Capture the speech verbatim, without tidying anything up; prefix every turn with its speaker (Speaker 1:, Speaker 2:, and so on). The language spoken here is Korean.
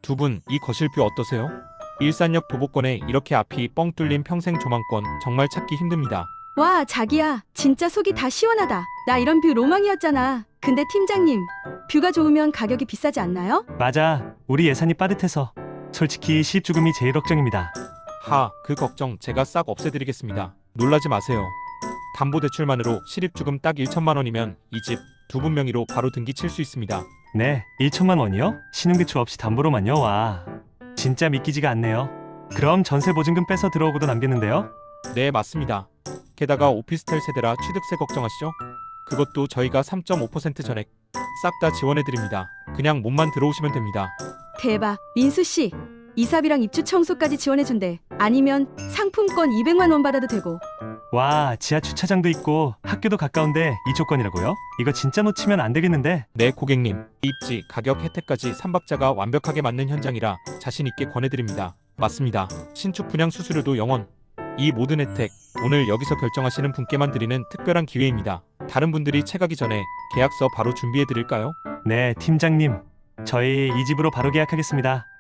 Speaker 1: 두 분 이 거실뷰 어떠세요? 일산역 도보권에 이렇게 앞이 뻥 뚫린 평생 조망권 정말 찾기 힘듭니다.
Speaker 2: 와, 자기야. 진짜 속이 다 시원하다. 나 이런 뷰 로망이었잖아. 근데 팀장님, 뷰가 좋으면 가격이 비싸지 않나요?
Speaker 3: 맞아. 우리 예산이 빠듯해서 솔직히 시입주금이 제일 걱정입니다.
Speaker 1: 하, 그 걱정 제가 싹 없애드리겠습니다. 놀라지 마세요. 담보대출만으로 실입주금 딱 천만 원이면 이 집 두 분 명의로 바로 등기 칠 수 있습니다.
Speaker 3: 네, 천만 원이요? 신용대출 없이 담보로만요? 와, 진짜 믿기지가 않네요. 그럼 전세보증금 빼서 들어오고도 남겠는데요?
Speaker 1: 네, 맞습니다. 게다가 오피스텔 세대라 취득세 걱정하시죠? 그것도 저희가 삼 점 오 퍼센트 전액 싹 다 지원해드립니다. 그냥 몸만 들어오시면 됩니다.
Speaker 2: 대박. 민수씨, 이삽이랑 입주 청소까지 지원해준대. 아니면 상품권 이백만 원 받아도 되고.
Speaker 3: 와, 지하 주차장도 있고 학교도 가까운데 이 조건이라고요? 이거 진짜 놓치면 안 되겠는데?
Speaker 1: 네, 고객님. 입지, 가격, 혜택까지 삼박자가 완벽하게 맞는 현장이라 자신 있게 권해드립니다. 맞습니다. 신축 분양 수수료도 영 원. 이 모든 혜택 오늘 여기서 결정하시는 분께만 드리는 특별한 기회입니다. 다른 분들이 채가기 전에 계약서 바로 준비해드릴까요?
Speaker 3: 네, 팀장님. 저희 이 집으로 바로 계약하겠습니다.